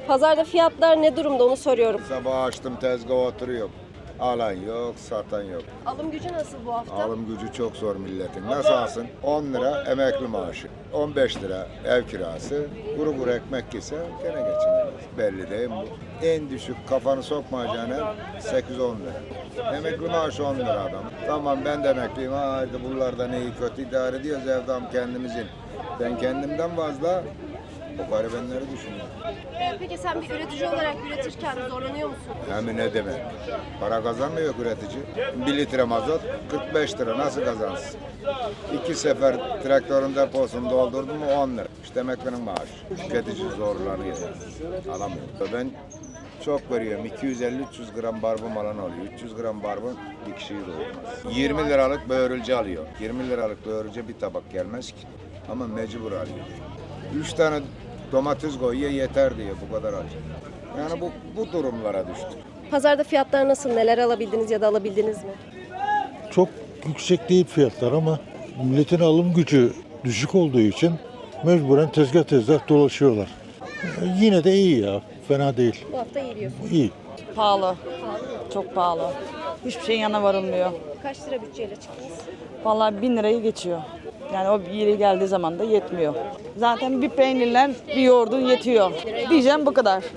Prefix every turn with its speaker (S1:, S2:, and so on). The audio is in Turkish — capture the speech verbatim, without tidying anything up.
S1: Pazarda fiyatlar ne durumda onu soruyorum.
S2: Sabah açtım tezgah oturuyor. Alan yok, satan yok.
S1: Alım gücü nasıl bu hafta?
S2: Alım gücü çok zor milletin. Nasıl alsın? on lira emekli maaşı, on beş lira ev kirası, kuru kuru ekmek yese gene geçinemez. Belli değil mi bu? En düşük kafanı sokmayacağına sekiz on lira. Emekli maaşı on lira adam. Tamam ben de emekliyim. Haydi bunlardan iyi kötü idare ediyoruz evdam kendimizin. Ben kendimden fazla o garibenleri düşünüyorum.
S1: Ee, peki sen bir üretici olarak üretirken zorlanıyor musun?
S2: Hem ne demek? Para kazanmıyor üretici. Bir litre mazot kırk beş lira nasıl kazansın? İki sefer traktörün deposunu doldurdum mu on lira. İşte emeklinin maaşı. Tüketici zorlanıyor. Alamıyor. Ben çok veriyorum. iki yüz elli üç yüz gram barbun alan oluyor. üç yüz gram barbun bir kişiyi doyurmaz. yirmi liralık böğürülce alıyor. yirmi liralık böğürülce bir tabak gelmez ki. Ama mecbur alıyor. üç tane domates koyuyor yeter diye bu kadar alacak. Yani bu, bu durumlara düştük.
S1: Pazarda fiyatlar nasıl? Neler alabildiniz ya da alabildiniz mi?
S3: Çok yüksek değil fiyatlar ama milletin alım gücü düşük olduğu için mecburen tezgah tezgah dolaşıyorlar. Yine de iyi ya, fena değil.
S1: Bu hafta iyi diyorsun.
S3: İyi.
S4: Pahalı. Çok pahalı. Hiçbir şeyin yanına varılmıyor.
S1: Kaç lira bütçeyle çıktınız?
S4: Vallahi bin lirayı geçiyor. Yani o yeri geldiği zaman da yetmiyor. Zaten bir peynirle bir yoğurdun yetiyor. Diyeceğim bu kadar.